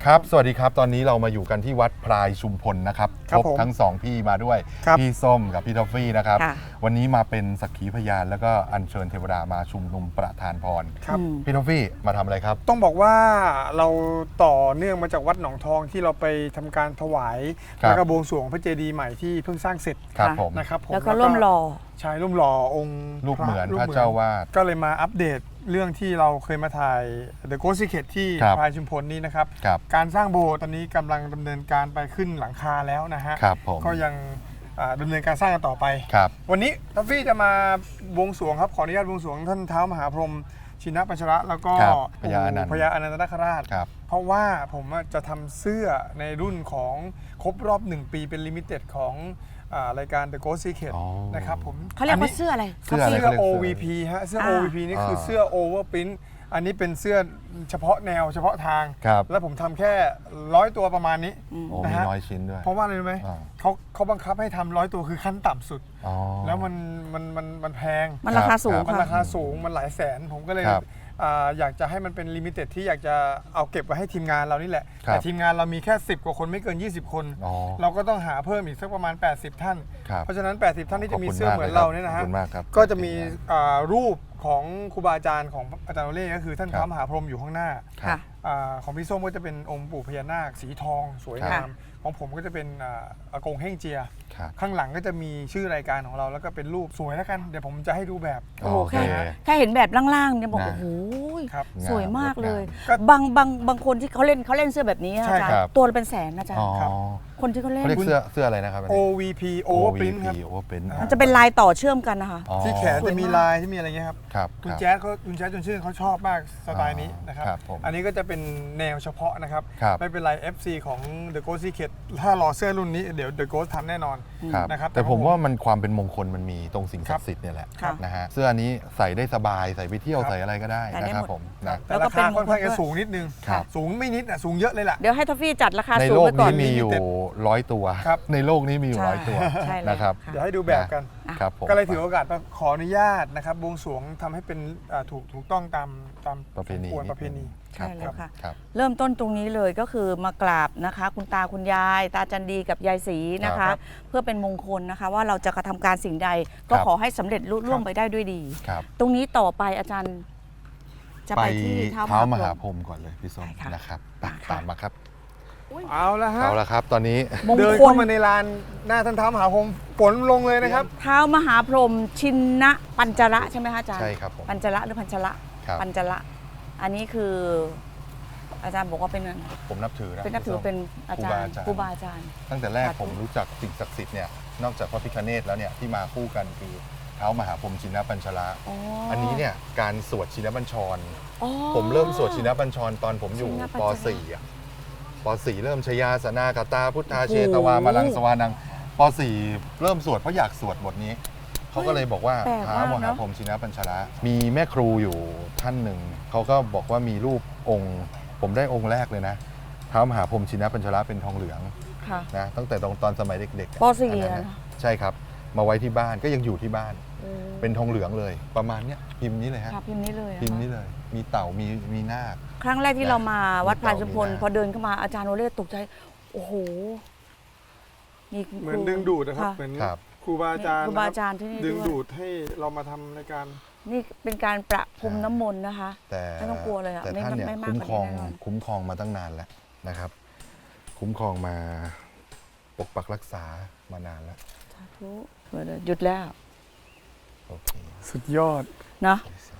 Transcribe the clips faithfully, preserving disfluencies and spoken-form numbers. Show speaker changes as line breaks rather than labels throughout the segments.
ครับสวัสดีครับตอนนี้เรามาอยู่กันที่วัดพลายชุมพลนะครับพบทั้งสองพี่มาด้วยพี่ส้มกับพี่ทอฟฟี่นะครับวันนี้มาเป็นสักขีพยานแล้วก็อัญเชิญเทวดามาชุมนุมประทานพรพี่ทอฟฟี่มาทำอะไรครับ
ต้องบอกว่าเราต่อเนื่องมาจากวัดหนองทองที่เราไปทำการถวายแล้วก็บวงสรวงพระเจดีย์ใหม่ที่เพิ่งสร้างเสร็จนะครับผม
แล้วก็ร่วมหล่อ
ใช่ร่วมหล่อองค์
รูปเหมือนพระเจ้าวาด
ก็เลยมาอัปเดตเรื่องที่เราเคยมาถ่าย The Ghost Secret ที่พลายชุมพลนี้นะครับการสร้างโบสถ์ตอนนี้กำลังดำเนินการไปขึ้นหลังคาแล้วนะฮะก็ยังดำเนินการสร้างกันต่อไปวันนี้ทัฟฟี่จะมาบวงสรวงครับขออนุญาตบวงสรวงท่านเท้ามหาพรหมชินปัญชระแล้วก็
พญาอนันต์
พญาอนันตนาคราชเพราะว่าผมจะทำเสื้อในรุ่นของครบรอบหนึ่งปีเป็นลิมิเต็ดของรายการ The Ghost Secret นะครับผม
เขาเรียกว่าเสื้ออะไร
เสื้อ โอ วี พี ฮะเสื้อ โอ วี พี นี่คือเสื้อ Overprint อันนี้เป็นเสื้อเฉพาะแนวเฉพาะทางแล้วผมทำแค่ร้อยตัวประมาณนี้
นะฮะน้อยชิ้นด้วย
เพราะว่าอะไรรู้ไหมเขาเขาบังคับให้ทำร้อยตัวคือขั้นต่ำสุดแล้วมันมันมันมันแพง
มันราคาสูง
มันราคาสูงมันหลายแสนผมก็เลยอยากจะให้มันเป็นลิมิเต็ดที่อยากจะเอาเก็บไว้ให้ทีมงานเรานี่แหละแต่ทีมงานเรามีแค่สิบกว่าคนไม่เกินยี่สิบคนเราก็ต้องหาเพิ่มอีกสักประมาณแปดสิบท่านเพราะฉะนั้นแปดสิบท่านที่จะมีเสื้อเหมือนเราเนี่ยนะฮะก็จะมีรูปของครูบาอาจารย์ของอาจารย์โอเล่ก็คือท่านพระมหาพรหมอยู่ข้างหน้าของพี่ส้มก็จะเป็นองค์ปู่พญานาคสีทองสวยงามของผมก็จะเป็นอากงเฮ่งเจียข้างหลังก็จะมีชื่อรายการของเราแล้วก็เป็นรูปสวยแล้วกันเดี๋ยวผมจะให้ดูแบบ
โอ้แค่แค่เห็นแบบล่างๆเนี่ยบอกโอ้โหสวยมากเลยบางบางบางคนที่เขาเล่นเขาเล่นเสื้อแบบนี้อาจารย์ตัวเป็นแสนนะอาจารย์คนที่เขาเล่น
เรียกเสื้อเสื้ออะไรนะครับ
โอ วี พี Overprint ครับ
มันจะเป็นลายต่อเชื่อมกันนะคะ
ที่แขนจะมีลายที่มีอะไรเงี้ยครับคุณแจ๊สเขาคุณแจ๊สจนชื่นเขาชอบมากสไตล์นี้นะครับอันนี้ก็จะเป็นแนวเฉพาะนะครับไม่เป็นไร เอฟ ซี ของ The Ghost Secret ถ้ารอเสื้อรุ่นนี้เดี๋ยว The Ghost ทำแน่นอนนะครับ
แต่ผมว่ามันความเป็นมงคลมันมีตรงสิ่งศักดิ์สิทธิ์เนี่ยแหละนะฮะเสื้อนี้ใส่ได้สบายใส่ไปเที่ยวใส่อะไรก็ได้นะครับผมนะ
แต่ราคาค่อนข้างจะสูงนิดนึงสูงไม่นิดอ่ะสูงเยอะเลยล่ะ
เดี๋ยวให้ทอฟฟี่จัดราคาสูงไว้ก่อน
ในโลกนี้มีอยู่ร้อยตัวในโลกนี้มีอยู่ร้อยตัวนะครับ
เดี๋ยวให้ดูแบบกันก็เลยถือโอกาสขออนุญาตนะครับบวงสรวงทำให้เป็นถูกถูกต้องตามตาม
ประเพณี
ประเพณี
ใช่แล้วค่ะเริ่มต้นตรงนี้เลยก็คือมากราบนะคะคุณตาคุณยายตาจันดีกับยายศรีนะคะเพื่อเป็นมงคลนะคะว่าเราจะกระทำการสิ่งใดก็ขอให้สำเร็จลุล่วงไปได้ด้วยดีตรงนี้ต่อไปอาจารย์
จะไปที่เท้ามหาพรหมก่อนเลยพี่ส้มนะครับตามมาครับ
เอาละฮะ
เอาละครับตอนนี้
เดินเข้ามาในลานหน้าท่านเท้ามหาพรหมฝนลงเลยนะครับ
เท้ามหาพรหมชินนะปัญจระใช่ไหมคะอาจารย์
ใช่ครับ
ปัญจระหรือปัญจระปัญจระอันนี้คืออาจารย์บอกว่าเป็น
ผมนับถือนะ
เป็นนับถือเป็นอาจารย์ครูบาอาจารย์
ตั้งแต่แรกผมรู้จักสิ่งศักดิ์สิทธิ์เนี่ยนอกจากพระพิฆเนศแล้วเนี่ยที่มาคู่กันคือเท้ามหาพรหมชินปัญชระอันนี้เนี่ยการสวดชินบัญชรผมเริ่มสวดชินบัญชรตอนผมอยู่ป .สี่ อ่ะป .สี่ เริ่มชยาสนากตาพุทธาเชตวามาลังสวานังป .สี่ เริ่มสวดเพราะอยากสวดบทนี้เขาก็เลยบอกว่าท้ามหาพรหมชินปัญชระมีแม่ครูอยู่ท่านหนึ่งเขาก็บอกว่ามีรูปองค์ผมได้องค์แรกเลยนะท้ามหาพรหมชินปัญชระเป็นทองเหลืองนะตั้งแต่ตอนสมัยเด็ก
ๆป .สี่
ใช่ครับมาไว้ที่บ้านก็ยังอยู่ที่บ้านเป็นทองเหลืองเลยประมาณเนี้ยพิมพ์นี้เลยฮะ
พิมพ์นี้เลย
พิมพ์นี้เลยมีเต่ามีมีนาค
ครั้งแรกที่เรามาวัดพลายชุมพลพอเดินเข้ามาอาจารย์โอเล่ตกใจโอ้โห
มีเหมือนดึงดูดนะครับเหมือนครูบาอาจารย์
ครูบาอาจารย์ที่นี่
ดึงดูดให้เรามาทำในการ
นี่เป็นการประพรมน้ำมนต์นะคะไม่ต้องกลัวเลยอ่ะ
แต่ท่านเนี่ยคุ้มครองคุ้มครองมาตั้งนานแล้วนะครับ คุ้มครองมาปกปักรักษามานานแล้ว
สาธุหยุดแล้ว
โอเค
สุดยอด
นะ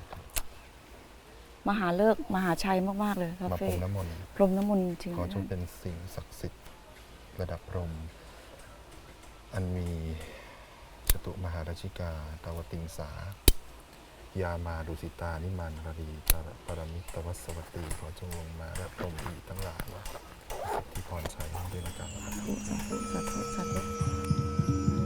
มหาเลิกมหาชัยมากๆเลย
มาพรมน้ำมนต์
พรมน้ำมนต์จริง
ขอจงเป็นสิ่งศักดิ์สิทธิ์ระดับพรหมอันมีจตุมหาราชิกาตาวติงสายามาดุสิตานิมานรดีปรมิตวัสวัตตีขอจงลงมาและพรหมอีกทั้งหลายว่าสิทธิพรชัยด้วยนะการสาธุสาธุสาธุสาธุ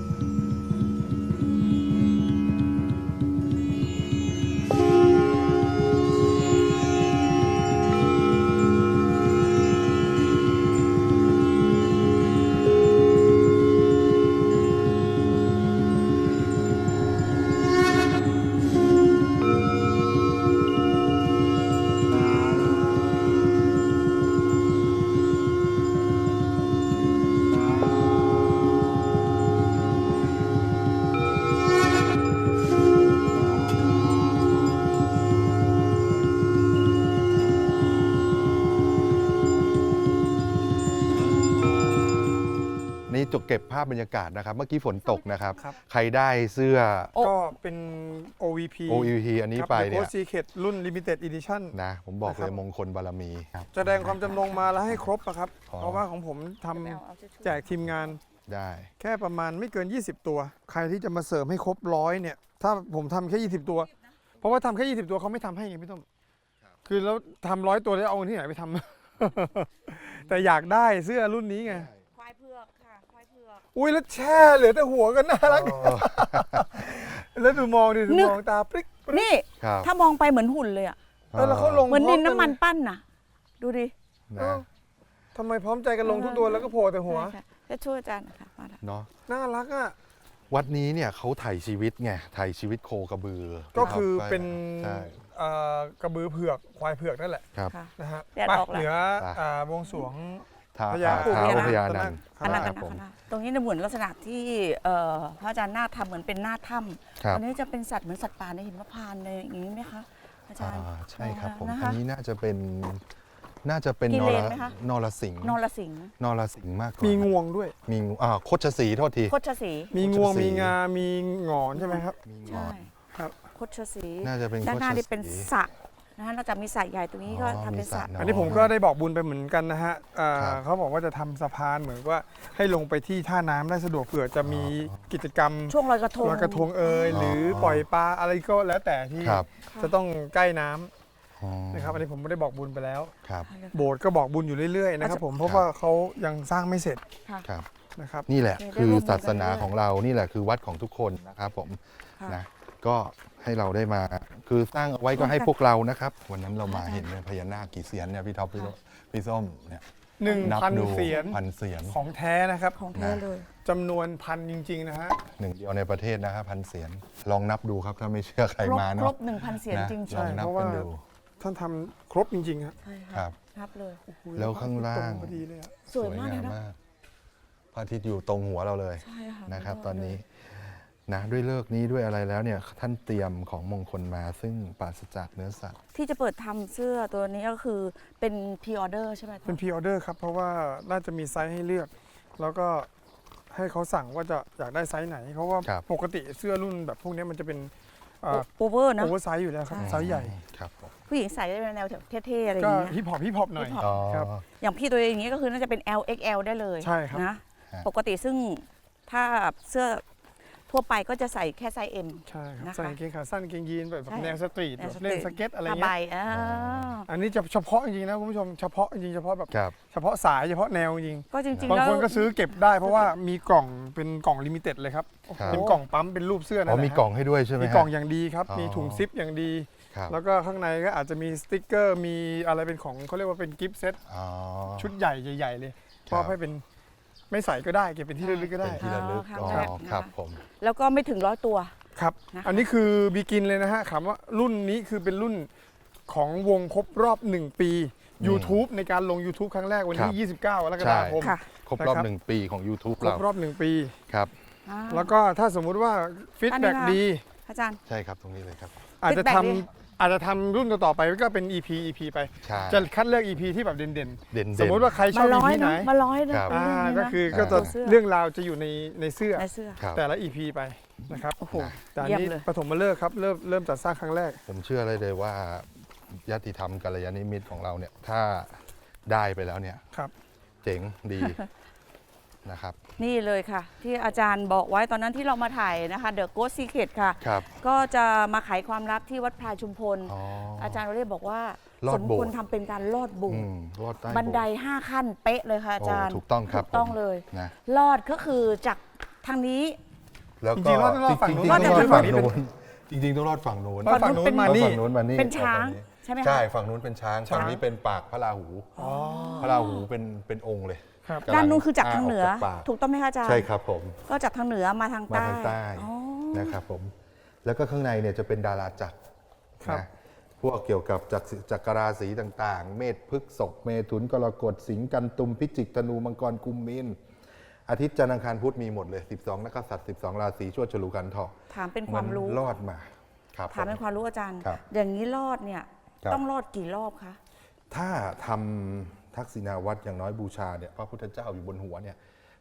จกเก็บภาพบรรยากาศนะครับ เมื่อกี้ฝนตกนะครับ
ครับ
ใครได้เสื้อ
โอ้
ก็เป็น โอ วี พี
โอ วี พี อันนี้ไปเนี่ย
โค้ชซีเคทรุ่น Limited Edition
นะผมบอก
นะค
เล
รับ
ยมงคลบารมีครับ
แสดงความจำนงมาแล้วให้ครบนะครับ
อ๋อ
เพราะว่าของผมทำแจกทีมงาน
ได้
แค่ประมาณไม่เกิน ยี่สิบ ตัว ใครที่จะมาเสริมให้ครบร้อยเนี่ย ถ้าผมทำแค่ ยี่สิบ ตัว เพราะว่าทำแค่ ยี่สิบ ตัวเขาไม่ทำให้ไงพี่ต้มคือแล้วทำร้อยตัวแล้วเอาเงินที่ไหนไปทำ แต่อยากได้เสื้อรุ่นนี้ไง
ควายเผือกค่ะควายเผือก
อุ้ยแล้วแช่เหลือแต่หัวกันน่ารัก แล้วดูมองดิดู
นึก
มองตาปริ๊กปริ๊ก
นี่
ครับ
ถ้ามองไปเหมือนหุ่นเลยอะ
เออแล้วเขาลง
เหมือนดิน
พร้
น้ำมันปั้นน่ะ ดูดิ
เอ
นะ
อทำไมพร้อมใจกันลงทุกตัวแล้วก็โผล่แต่หัว
ใช่ๆจะช่วยอาจารย์นะคะมาละ
เนาะ
น่ารักอ่ะ
วัดนี้เนี่ยเขาไถ่ชีวิตไงไถ่ชีวิตโคกระบือ
ก็คือ
รับ
เป็น
ใช่
เอ่อกระบือเผือกควายเผือกนั่นแหละ
ครับ
ค่ะ
นะฮะ
แดด
ไป
ออกแล้ว
เหนือ
ไป
อ่าบวงสรวง
ท้า
พญา
ท้าว
พญา
พญานัน
ค
อันนั้น
รั
กับ น
ผม
นะตรงนี้เนี่ยเหมือนลักษณะที่เอ่อพระอาจารย์หน้าทำเหมือนเป็นหน้าถ้
ครั
ำ
บ
อันนี้จะเป็นสัตว์เหมือนสัตว์ป่าในหิมพานต์เลยอย่างนี้ไหมคะอาจารย์
อ่าใช่ครับผม
นะ
อั
คะ
นนี้น่าจะเป็นน่าจะเป็น
กิ
น
เล
ร
นไหมคะ
นรสิงห์
นรสิงห์
นรสิงห์มากกว่า
มี
มี
งวงด้วย
มีงูอ่าโคชสีห์โทษที
โคชสี
มีงวง
โคชศรี
มีงา มีหงอนใช่ไหมครับ
มีง
ใช่
อน
ครับ
โคชสี
น่าจะเป็น
ด้านหน้า
โคช
นี่เป็น
ศรี
สระนะคะนอกจากมีสระใหญ่ตรงนี้ก็
อ๋อ
ทำเป็น
มี
ส
ส
ระ
ระ
อันนี้ผมก็ได้บอกบุญไปเหมือนกันนะฮะอ่า
ครับ
เขาบอกว่าจะทำสะพานเหมือนว่าให้ลงไปที่ท่าน้ำได้สะดวกเผื่อจะมีกิจกรรม
ช่วงลอยกระทง
ลอยกระทงเอยหรือปล่อยปลาอะไรก็แล้วแต่ที่
ครับ
จะต้องใกล้น้ำ
อ๋อ
นะครับอันนี้ผมไม่ได้บอกบุญไปแล้ว
ครับ
โบสถ์ก็บอกบุญอยู่เรื่อยๆนะครับผมเพราะว่าเขายังสร้างไม่เสร็จ
ค่ะ
ครับ
นะครับ
นี่แหละ
โอเคได้
คือ
ร่วมมือกัน
ศาสนา
เรื่อยๆ
ของเรานี่แหละคือวัดของทุกคนนะครับผม
ค่ะ
นะก็ให้เราได้มาคือสร้างเอาไว้ก็ให้พวกเรานะครับ วันนั้นเรามาเห็นเนี่ยพญานาคกี่เสียนเนี่ยพี่ท็อปพี่โรพี่ส้มเนี่ย
หนึ่ง
นับ
พัน
ดู
เสียน
พันเสียน
ของแท้นะครับ
ของแท้เลย
จำนวนพันจริงๆนะฮะ
หนึ่งเดียวในประเทศนะครับพันเสียนลองนับดูครับถ้าไม่เชื่อใคร
ครบ
มา
คร
เนาะ
บหนึ่งพันเสียง
นะ
จริง
ลองนับ
เพราะ
กั
ว่า
นดู
ท่านทำครบจริงๆครับ
ๆใช่
ครั
ค่ะ
บ
นับเลย
แล้วข้างล่าง
ตรพอดีเลยอะ
สวยมากเลยนะ
พระอาทิตย์อยู่ตรงหัวเราเลย
ใช่ค่ะ
นะครับ
สุดย
ต
ด
อนนี้
เลย
นะด้วยเลิกษ์นี้ด้วยอะไรแล้วเนี่ยท่านเตรียมของมงคลมาซึ่งปราศจากเนื้อสัตว์
ที่จะเปิดทำเสื้อตัวนี้ก็คือเป็นพ r ออเดอร์ใช่ไหม
เป็นพรีออเดอร์ครับ เพราะว่าน่าจะมีไซส์ให้เลือก แล้วก็ให้เขาสั่งว่าจะอยากได้ไซส์ไหน เพราะว่า
ครับ
ปกติเสื้อรุ่นแบบพวกนี้มันจะเป็น
โอเวอร์นะ
โอเวอร์ไซส์อยู่แล้วครับ
ใช่
ไซส์ใหญ่
ครับผม
ผู้หญิงใส่ได้ในแนวเท่ๆอะไรอ
ก็
ย่างเงี้ย
ฮิปฮอปฮิปฮอปหน่อย
ฮิปฮอป
อ๋อ
ครับ
อย่างพี่ตัวเองอย่างนี้ก็คือน่าจะเป็น แอล เอ็กซ์ แอล ได้เลย
ใช่ครับ
นะ
ฮะ
ปกติซึ่งถ้าเสื้อทั่วไปก็จะใส่แค่ไซส์ M
ใช่ครับ
นะคะ
ใส่กางเกงขาสั้นกางเกงยีนแบบ
ใช่
แนวสตรีท
แนวสตรีท
เล่นสเก็ตอะไร
ผ้าใบ
เงี้ย
อ่า
อันนี้จะเฉพาะจริงๆนะคุณผู้ชมเฉพาะจริงๆเฉพาะแบบ
ครับ
เฉพาะสายเฉพาะแนวจริง
ก็จริงๆ
บาง
แล้ว
คนก็ซื้อเก็บได้เพราะว่ามีกล่องเป็นกล่องลิมิเต็ดเลยครับ
ครับ
เป็นกล่องปั๊มเป็นรูปเสื้อ
อ๋
นั่
อน
แหละ
มีกล่องให้ด้วยใช่ไหม
มี
ฮะ
กล่องอย่างดีครับ
อ๋อ
มีถุงซิปอย่างดี
ครับ
แล้วก็ข้างในก็อาจจะมีสติ๊กเกอร์มีอะไรเป็นของเขาเรียกว่าเป็นกิฟต์เซต
อ๋อ
ชุดใหญ่ใหญ่ๆเลย
ครับ
มอบให้เป็นไม่ใส่ก็ได้เก็บเป็นที่ระลึกก็
เป็
ได้
นที่ระลึก
ครั้
อ๋
ง
อ
แรกนะคะ
ครับผม
แล้วก็ไม่ถึงร้อยตัว
ครับ
นะคะ
อันนี้คือบีกินเลยนะฮะคำว่ารุ่นนี้คือเป็นรุ่นของวงครบรอบหนึ่งปี YouTube ในการลง YouTube ครั้งแรกวันที่ ยี่สิบเก้ากรกฎาคม
ค่ะ
ครบรอบ
นะครับ
หนึ่งปีของ YouTube
คร
เรา
บรอบหนึ่งปี
ครับ
อ่า
แล้วก็ถ้าสมมุติว่าฟีดแบ็ก
อันนี้ค่ะ
ดี
อาจารย์
ใช่ครับตรงนี้เลยครับ
อาจจะ
feedback
ท
ดี
ำอาจจะทำรุ่นต่อๆไปก็เป็น อี พี อี พี ไป
ใช่
จะคัดเลือก อี พี ที่แบบเด่น
เด่น
ๆ
ๆ
สมมติว่าใครช
มา
อบ
ร้
อี
อย
พีไหน
นะมาร้อยนะครับ
อ่า
เรื่องนี้นะ
ก็คือ
อ่า
ก็จะ
เสื้อ
เรื่องราวจะอยู่ในในเสื้อ
ในเสื้อ
ครับ
แต่ละ อี พี ไปนะครับ
โอ้โห
แต่อัน
เยี่ยม
นี้
เลย
ปฐมฤกษ์ครับเริ่มเริ่มจัดสร้างครั้งแรก
ผมเชื่อเลยเลยว่าญาติธรรมกัลยาณมิตรของเราเนี่ยถ้าได้ไปแล้วเนี่ย
ครับ
เจ๋งดี นะครับ
นี่เลยค่ะ ที่อาจารย์บอกไว้ตอนนั้นที่เรามาถ่ายนะคะ The Ghost Secret ค่ะ
ครับ
ก็จะมาไขความลับที่วัดพลายชุมพล
อ๋อ
อาจารย์เราเรียบอกว่า
ลอ
ส
ด
ม
โบสถ์
ควรทำเป็นการลอดโบุ
อืมรอดใต้
บันได
โบสถ์
ห้าขั้นเป๊ะเลยค่ะอาจารย์
โอ้ถูกต้องครับ
ถูกต้อง
ผม
เลย
นะ
ลอดก็คือจากทางนี้
แล้ว
จ
ก็
ริงๆรอดต้องรอดฝั่งนู้น
จริงๆต้องรอด
รอดจาก
ฝั่ง
ฝั่งนี้
นู้นจริงๆต้องรอดฝั่งนู้น
รอดฝั่งนู้นมานี่
ฝั่งนู้นมานี่
เป็นช้าง
ฝั่นี้
ใช่ไหมคะ
ใช่ฝั่งนู้นเป็นช้าง
ช้าง
ฝั่งนี้เป็นปากพระราหู
อ๋อ
พระราหูเป็นเป็นองค์เลย
ครับ
กำลัง
ด้านนู้นคือจากทางเหนือ
กปาก
ถูกต้องไหมคะอาจารย์
ใช่ครับผม
ก็จากทางเหนือมาทาง
มา
ใต้
ทางใต้
อ๋อ
นะครับผมแล้วก็ข้างในเนี่ยจะเป็นดาราจักร
ครับ
นะพวกเกี่ยวกับจักรจักรราศีต่างๆ เมษพฤกษกเมถุนกรกฎสิงห์กันตุมพิจิกธนูมังกรกุมมีนอาทิตย์จันทร์อังคารพุธมีหมดเลย สิบสอง นักษัตริย์สิบสอง ราศีชวดฉลูกันทอง
ถามเป็นความรู้
นรอดมาครับ
ถามเป็น
ผม
ความรู้อาจารย์
ครับ
อย่างนี้รอดเนี่ย
ครับ
ต้องรอดกี่รอบคะ
ถ้าทำทักษิณาวัตรอย่างน้อยบูชาเนี่ยพระพุทธเจ้าอยู่บนหัวเนี่ย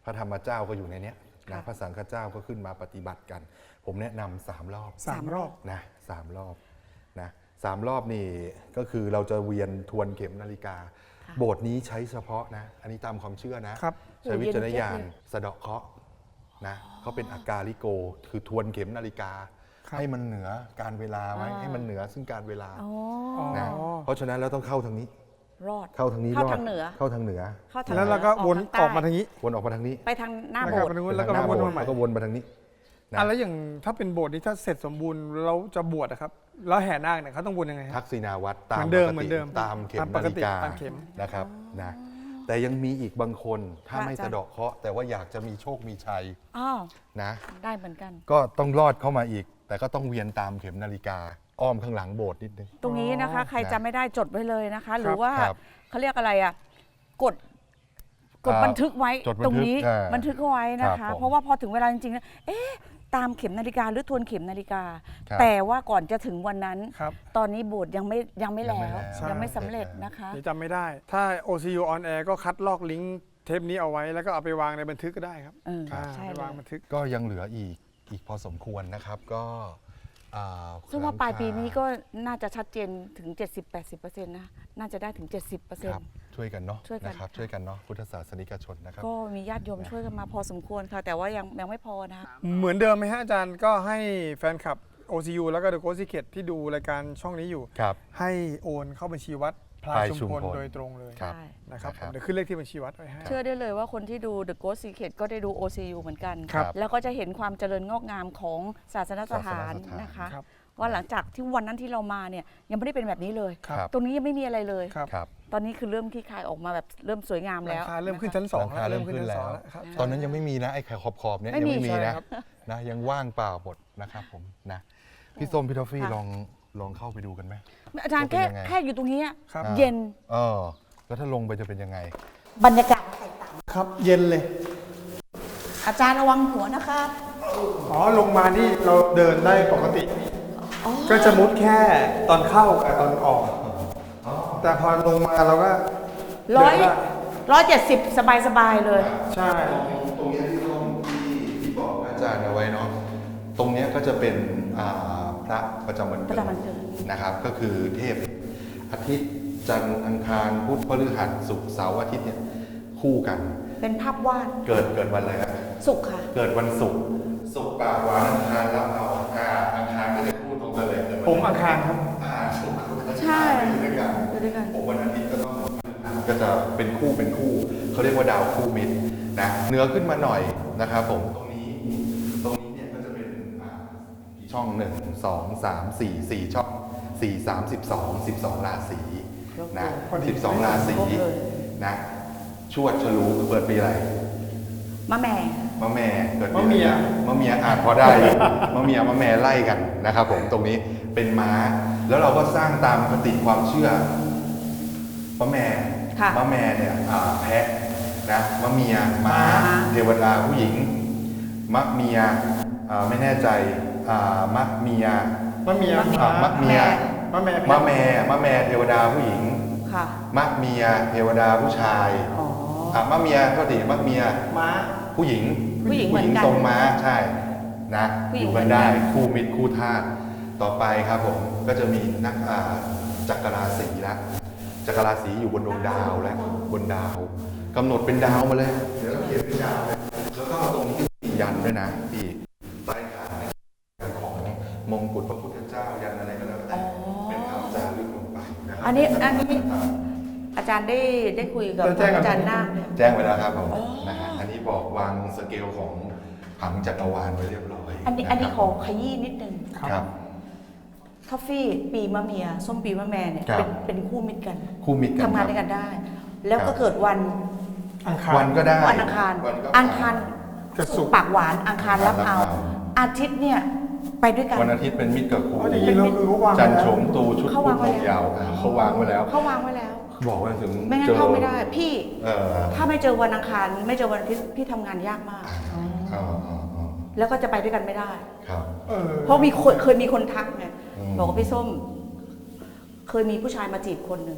พระธรรมเจ้าก็อยู่ในเนี้ยนะ
ค่ะ
พระสังฆเจ้าก็ขึ้นมาปฏิบัติกัน ผมแนะนำสามรอบ
สามรอบ
นะสามรอบนะสามรอบนี่ก็คือเราจะเวียนทวนเข็มนาฬิกา โบสถ์นี้ใช้เฉพาะนะ อันนี้ตามความเชื่อนะครับ ใช้วิจารณญาณสะเดาะเคราะห์นะเขาเป็นอากาลิโก คือทวนเข็มนาฬิกา
ครับ
ให้มันเหนือการเวลาไว้
อ่า
ให้มันเหนือซึ่งการเวลา
อ๋อ
นะเพราะฉะนั้นเราต้องเข้าทางนี้
รอด
เข้าทางนี้
เข้าร
อด
ทางเหนือ
เข้าทางเหนือ
เข้าทาง
แล้วเราก็วน
ใต้
ออกมาทางนี้
วนออกมาทางนี้
ไปทางหน้า
นะ
โบ
ครับ
สถ์
ไปทางนู้น
ไป
แล้วก็
ทางห
มา
น้า
วน
โบสถ์
มาใหม่
แล้วก็วนมาทางนี้นะ
อ่ะแล้วอย่างถ้าเป็นโบสถ์นี้ถ้าเสร็จสมบูรณ์เราจะบวชนะครับแล้วแห่นาคเนี่ยเขาต้องวนยังไงฮะ
ทักษิณาวัตรตาม
เหมือนเดิม
ปก
เหมื
ติ
อนเดิม
ตามเข็ม
ตามป
นาก ฬิ
ติ
กา
ตามเข็ม
นะครับนะแต่ยังมีอีกบางคนถ้า
ค่ะ
ไม่
อาจารย์
สะเดาะเคราะห์แต่ว่าอยากจะมีโชคมีชัย
อ้าว
นะ
ได้เหมือนกัน
ก็ต้องรอดเข้ามาอีก แต่ก็ต้องเวียนตามเข็มนาฬิกา อ้อมข้างหลังโบสถ์นิดนึง
ตรงนี้นะคะ ใคร
นะ
จำไม่ได้จดไว้เลยนะคะ หรือว่า
ครับ
เขาเรียกอะไรอ่ะกดกด
อ่า
บันทึกไว้
จดบันทึก
ตรงนี้
อ่า
บันทึกเอาไว้นะ
ครั
คะ
บผม
เพราะว่าพอถึงเวลาจริงๆนะเอ๊ะตามเข็มนาฬิกาหรือทวนเข็มนาฬิกา
ครับ
แต่ว่าก่อนจะถึงวันนั้น
ครับ
ตอนนี้โบสถ์ยังไม่ยังไม่
ยังไม่
แล้ว
แล้ว
ยังไม่
ใช่
สำเร็จนะคะ
เดี๋ยวจำไม่ได้ ถ้า โอ ซี ยู on air ก็คัดลอกลิงก์เทปนี้เอาไว้แล้วก็เอาไปวางในบันทึกก็ได้ครับ
เออ
อ่า
ใช่
ไป
เล
วาง
ย
บันทึก
ก็ยังเหลืออีกอีกพอสมควรนะครับ ก็อ่า
ซึ่งว่าปลายปีนี้
หลังค
ก็น่าจะชัดเจนถึง เจ็ดสิบแปดสิบเปอร์เซ็นต์ นะน่าจะได้ถึง เจ็ดสิบเปอร์เซ็น
ครับ
ต์
ช่วยกันเนาะ
ช่วยกัน
นะครับ
ค่ะ
ช่วยกันเนาะพุทธศาสนิกชนนะครับ
ก็มีญาติโยมช่วยกันมาพอสมควรค่ะ แต่ว่ายังยังไม่พอนะคะ
เหมือนเดิมไหมฮะอาจารย์ก็ให้แฟนคลับ โอ ซี ยู แล้วก็ The Ghost Secret ที่ดูรายการช่องนี้อยู่
ครับ
ให้โอนเข้าบัญชีวัดพลาย
พลาย
ชุม
ชุม
พ
พ
ล
ล
โดยตรงเลย
ครับ
ใช่
นะครับ
นะครับ
เดี๋ยวขึ้นเลขที่บัญชีวัดไว้ให้
เชื่อได้เลยว่าคนที่ดู The Ghost Secret ก็ได้ดู โอ ซี ยู เหมือนกัน
ครับ
แล้วก็จะเห็นความเจริญงอกงามของศาสนสถาน
ศาสนสถาน
นะคะ
ครับ
ว่าหลังจากที่วันนั้นที่เรามาเนี่ยยังไม่ได้เป็นแบบนี้เลย
ครับ
ตรงนี้ยังไม่มีอะไรเลย
ครับ
ครับ
ตอนนี้คือเริ่มคลี่คลายออกมาแบบเริ่มสวยงาม
หลั
แล้
ง
ว
คาเริ่มขึ้นชั้นส
ห
อง
ลังคาเริ่มขึ้น
ชั้
แล้ว
สองครับ
ตอนนั้นยังไม่มีนะไอ้ไข่ขอบๆเนี่ย
ไม่
ยัง
มี
ไม่มี
ใช่
นะครับ นะยังว่างเปล่าหมดนะครับผมนะพี่ส้มพี่ทอฟฟี่
ค่ะ
ลองลองเข้าไปดูกันไหม
อาจารย์
จะ
แค่
เป็นยังไง
แค่อยู่ตรงนี้อะ
ครับ
เย็น
เออแล้วถ้าลงไปจะเป็นยังไง
บรรยากาศแตกต่าง
ครับเย็นเลย
อาจารย์ระวังหัวนะคะ
อ๋อ ลงมานี่เราเดินได้ปกติ ก็จะมุดแค่ตอนเข้ากับตอนออก แต่พอลงมาเราก็
ร้อย
เดินได้
ร้อยเจ็ดสิบสบายสบายๆเลย
ใช่
ตรงนี้ที่ส้มที่ที่บอกอาจารย์เอาไว้เนาะตรงเนี้ยก็จะเป็นอ่าพระประจำวันเกิ
ประ
ด
จำวันเกิด
นะครับ ก็คือเทพอาทิตย์จันทร์อังคารพุธพฤหัสศุกร์เสาร์อาทิตย์เนี่ยคู่กัน
เป็นภาพวาด
เกิดเกิดวันอะไรครับ
สุขค่ะ
เกิดวันศุกร์ศุกร์ปากหวานอังคารรับเอาอ่าอังคารก็จะคู่ตรงกันเลยเกิดวัน
ผมอังคารครับ
อ่าศุกร์
ใช่
อยู่ด้วยกัน
อยู่ด้วยกัน
ผมวันอาทิตย์ก็ต้องก็จะเป็นคู่เป็นคู่เขาเรียกว่าดาวคู่มิตรนะเหนือขึ้นมาหน่อยนะครับผมตรงนี้ตรงนี้เนี่ยก็จะเป็นอ่าช่องหนึ่งสองสามสี่สี่ช่องสี่สามสิบสองสิบสองราศีนะ
พอดี
สิบสองราศี
ครบเลย
นะชวดฉลูเปิดปีอะไร
มะแม่
มะแม่เกิดปี
มะเมีย
มะเมียอาจพอได้อยู่มะเมียมะแม่ไล่กันนะครับผมตรงนี้เป็นม้า แล้วเราก็สร้างตามคติความเชื่อมะแม่
ค่ะ
มะแม่เนี่ยอ่าแพะนะมะเมียม้า
ม้า
เทวดาผู้หญิงมะเมียอ่าไม่แน่ใจอ่ามะเมีย
มะเมีย
อ่ามะเมีย
มะแม่
มะแม่มะแม่เทวดาผู้หญิง
ค่ะ
มะเมียเทวดาผู้ชาย
อ๋อ
อ่ามะเมียก็ติมะเมีย
ม้า
ผู้หญิง
ผู้หญิงเหมือนกัน
ทรงม้าใช่นะ
ผู้
อ
หญิง
ยู่
เหมื
กั
อน นกัน
ได้คู่มิตรคู่ทาสต่อไปครับผมก็จะมีนักอ่าจักรราศีละจักรราศีอยู่บนดวงดาวและบนดาวกำหนดเป็นดาวมาเลยเดี๋ยวเราเขียนเป็นดาวเลยแล้วก็ตรงนี้มียันด้วยนะพี่ใต้ฐานของมงกุฎพระพุทธเจ้ายันอะไรก็แล้วแต่เป็นคำจารึกลงไปนะครั
อันนี้อันนี้อาจารย์ได้ได้คุยกับ
ได้แจ้งกับ
อาจารย์นาคเนี่ย
แจ้งไปแล้วครับผมนะฮะอันนี้บอกวางสเกลของผังจักรวาลไว้เรียบร้อย
อันนี้อันนี้
ะ
ข
ค
อ
รับ
ขยี้นิดนึง
ครับ
ทอฟฟี่ปีมะเมีย ส้มปีมะแม่เนี่ย
ครับ
เป็นเป็นคู่มิตรกัน
คู่มิตรกัน
ทำงาน
ครับ
ด้วยกันได้ แล้ว
ครั
ก็
บ
เกิดวัน
อังคาร
วันก็ได้
วันอังคาร
วันก็
อังคาร
กับศุกร์
ปากหวานอังคารรับเอา
รับเอา
อาทิตย์เนี่ยไปด้วยกัน
วันอาทิตย์เป็นมิตรกับครู
อ๋อจริงๆเราคือเขาวาง
จันทร์
ไว้
โฉ
แล้ว
มตูชุด
เขา
พุ
วา
ธ
งไว้
ลง
แล้ว
ยาวอ่าเขาวางไว้แล้ว
เขาวางไว้แล้ว
บอกว่าถึง
ไม่งั้น
เจอ
เข้าไม่ได้ พี่
เออ
ถ้าไม่เจอวันอังคาร ไม่เจอวันอาทิตย์พี่ทำงานยากมาก
อ๋ออ๋ออ๋อ
แล้วก็จะไปด้วยกันไม่ได้
ครับ
เออ
เพราะมีคนเคยมีคนทักไง
อืม
บอกว่าพี่ส้ม เคยมีผู้ชายมาจีบคนหนึ่ง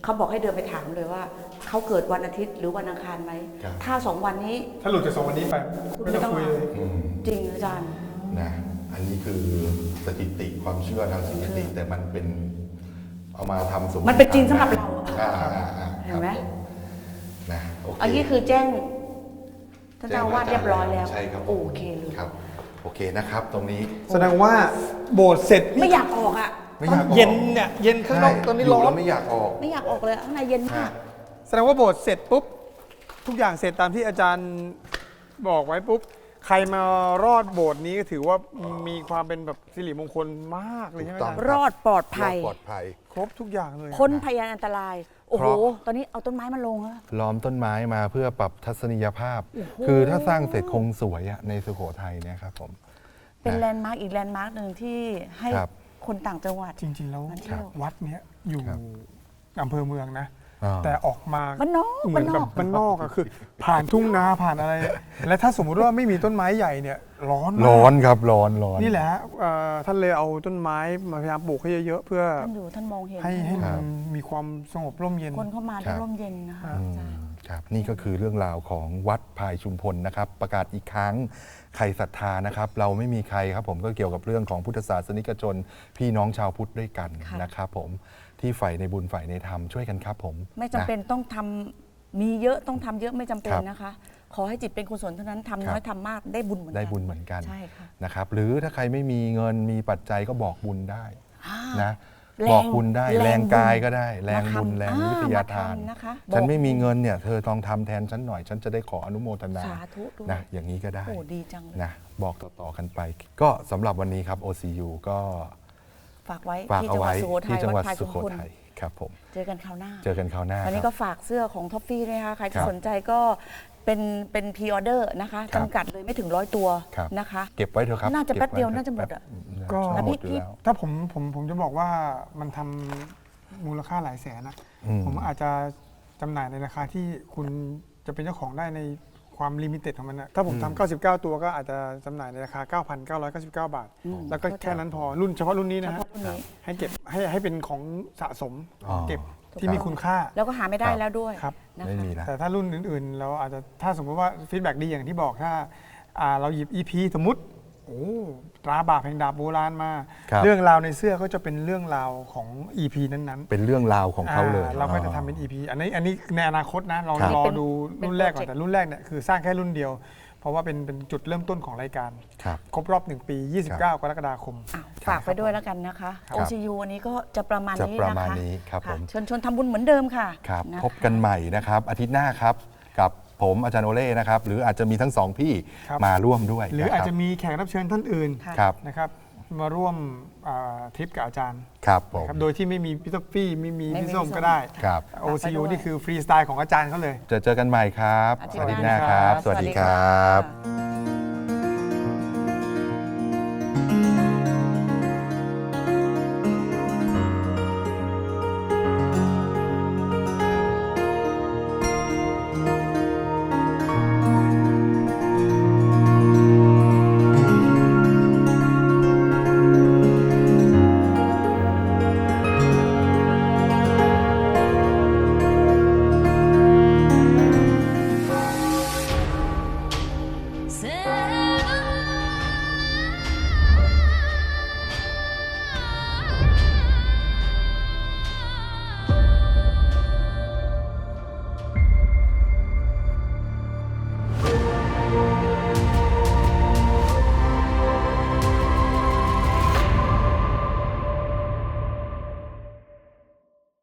เขาบอกให้เดินไปถามเลยว่าเขาเกิดวันอาทิตย์หรือวันอังคารไหม
ครับ
ถ้าสองวันนี้
ถ้าหลุดจากสองวันนี้ไปไม่ต้องคุยเลย
อืม
จริงอาจารย์
นะอันนี้คือสถิติความเชื่อทางสถิติแต่มันเป็นเอามาทำสมมติ
มันเป็นจริงสำหรับเรา
อ่าอ่าอ่า
เห็นไหม
ครับผนะโอเค
อันนี้คือแจ้งท่านเจ้าอาวาดเรียบร้อยแล้ว
ใช่ครับ
โอเคเลย
ครับโอเคนะครับ ตรงนี้
แสดงว่าโบสถ์เสร็จ
ไม่อยากออกอ่ะ
ไม่อยากออก
เย็นเนี่ยเย็นข้างนอก
ใช่
ตอนนี้
ยู่
ร้อน
แล้วไม่อยากออก
ไม่อยากออกเลยข้างในเย็นมาก
แสดงว่าโบสถ์เสร็จปุ๊บทุกอย่างเสร็จตามที่อาจารย์บอกไว้ปุ๊บใครมารอดโบสถ์นี้ก็ถือว่ามีความเป็นแบบสิริมงคลมากเลยใช่ไหม
ถูกต้
อา
อง
จารย์
รอดปลอดภัย
ปลอดภัย
ครบทุกอย่างเลย
พ้นพยานอันตราย โอ้โห
เพราะ
ตอนนี้เอาต้นไม้มาลงแล้ว
ล้อมต้นไม้มาเพื่อปรับทัศนียภาพ
โอ้โห
คือถ้าสร้างเสร็จคงสวยอะในสุโขทัยเนี่ยครับผม
เป็น
นะ
แลนด์มาร์กอีกแลนด์มาร์กหนึ่งที่ให้
ครับ
คนต่างจังหวัด
จริง ๆ แล้ว
มาเที่ยว
วัดเนี้ยอยู่
ครับ
อำเภอเมืองนะ
อ่า
แต่ออกมา
บ้านนอก
เหมือนแบบบ้านนอกอะคือ ผ่านทุ่งนาผ่านอะไร และถ้าสมมุติว่าไม่มีต้นไม้ใหญ่เนี่ยร้อนมาก
ร้อนครับร้อนร้อน
นี่แหละฮะเอ่อท่านเลยเอาต้นไม้มาพยายามปลูกให้เยอะๆเพื่อ
ท่านอยู่ท่านมองเห็น
ให้ให้
ค
มั
รั
น
บ
มีความสงบร่มเย็น
คนเข้ามา
ครั
ได้
บ
ร่มเย็นนะคะ
อื
อาจารย์
ครับนี่ก็คือเรื่องราวของวัดพายชุมพลนะครับ ประกาศอีกครั้งใครศรัทธานะครับ เราไม่มีใครครับผมก็เกี่ยวกับเรื่องของพุทธศาสนิกชน พี่น้องชาวพุทธด้วยกัน
ค่ะ
นะครับผมที่ใฝ่ในบุญใฝ่ในธรรมช่วยกันครับผม
ไม่จำเป็นต้องทำมีเยอะต้องทำเยอะไม่จำเป็น
ครับ
นะคะ ขอให้จิตเป็นกุศลเท่านั้นทำน้อย
ครับ
ทำมากได้บุญเหมือนกัน
ได้บุญเหมือนกัน
ใช่ค่ะ
นะครับหรือถ้าใครไม่มีเงินมีปัจจัยก็บอกบุญได้
อ่า
นะ
แรง
บอกบุญได้
แรง
แรงกาย
บุญ
ก็ได้ แรงบุญ
มาทำ
แรง
อ่า
วิทยาทาน
มาทำนะคะ
ฉัน
บอก
ไม่มีเงินเนี่ยเธอต้องทำแทนฉันหน่อย ฉันจะได้ขออนุโมทนา
สาธุด้วย
นะอย่างนี้ก็ได้
โอ้ดีจังเลย
นะบอกต่อๆกันไป ก็สำหรับวันนี้ครับ โอ ซี ยู ก็
ฝากไว้
ฝาก
ที่
เอา
จังหวั
ไว้
ดสุโขทั
ที่
ย
จังหวัด
ดพาย
สุโข
มพล
ทัยครับผม
เจอกันคราวหน้า
เจอกันคราวหน้า
วันนี้
ค
ก็
รับ
ฝากเสื้อของท็อฟฟี่ด้วยนะคะใคร
ค
ที่
รับ
สนใจก็เป็นเป็นพรีออเดอร์นะคะ
ครับ
จำกัดเลยไม่ถึงร้อยตัว
ครับ
นะคะ
เก็บไว้เถอะครับ
น่าจะ
ก็บ
แป๊บเดียว
ไถ
น่าจะหมดอะ
ก็
ก็
แล้ว
หม
พี่
ดอยู่
พี่
แล้ว
ถ้าผมผมผมจะบอกว่ามันทำมูลค่าหลายแสนนะ
อืม
ผมอาจจะจำหน่ายในราคาที่คุณจะเป็นเจ้าของได้ในความลิมิเต็ดของมันนะถ้าผม
อืม
ทำเก้าสิบเก้าตัวก็อาจจะจำหน่ายในราคา เก้าพันเก้าร้อยเก้าสิบเก้า บาท
อืม
แล้วก็แค่นั้นพอรุ่นเฉพาะรุ่นนี้
เฉ
นะฮะ
พาะรุ่นนี้
ให้เก็บให้ให้เป็นของสะสม
อ๋อ
เก็บ
ถูก
ที่
ต้อง
มีคุณค่า
แล้วก็หาไม่ได้
ครับ
แล้วด้วย
ครับ
นะ
ไม่
คะ
มีแล้ว
แต่ถ้ารุ่นอื่นๆ เราอาจจะถ้าสมมติว่าฟีดแบ็ดีอย่างที่บอกถ้าอ่าเราหยิบ อี พี สมมติโอ้ตราบาปแห่งดาบโบราณมา
ครับ
เรื่องราวในเสื้อก็จะเป็นเรื่องราวของ อี พี นั้นๆ
เป็นเรื่องราวของเขาเลย
อ่เราก็จะทำเป็น อี พี อันนี้อันนี้ในอนาคตนะเรา
ครับ
รอ
เป็น
ดู
เป็น
รุ่นแรกก่อน
โปรเจกต์
แต่รุ่นแรกเนี่ยคือสร้างแค่รุ่นเดียว เพราะว่าเป็นเป็นจุดเริ่มต้นของรายการ
ครับ
ครบรอบหนึ่งปี ยี่สิบเก้า กรกฎาคม
อ้าวฝากไปด้วยแล้วกันนะคะ
ครับ
โอ ซี ยู วันนี้ก็จะประมาณ
จะ
นี้
ประ
นะ
มาณ
คะ
นี้ครับ
ค่ะ
ผม
เชิญชวนทำบุญเหมือนเดิมค่ะ
ครับ
ะคะ
พบกันใหม่นะครับ อาทิตย์หน้าครับ กับผมอาจารย์โอเล่นะครับ หรืออาจจะมีทั้งสองพี่
ครับ
มาร่วมด้วย
หรืออาจจะ
นคบ
มีแขกรับเชิญท่านอื่น
ค่ะ
ครับ
นะครับมาร่วมอ่าทริปกับอาจารย์
ครับผม
นะครับโดยที่ไม่มีพี่ท็อฟฟี่ไม่มี
ไม่มี
พี่ส้ม
พี่ส้ม
ก็ได้
ครับ
โอ ซี ยู
ฝากไปด้วย
นี่คือฟรีสไตล์ของอาจารย์เขาเลย
จะเจอกันใหม่ครับ
อาทิ
ส
ตย์
วัสดี
ห
ห
น้า
น้าครับ
ส
ส
วั
วั
ส
ส
ดี
ดี
ค
ค
รั
รับ
บ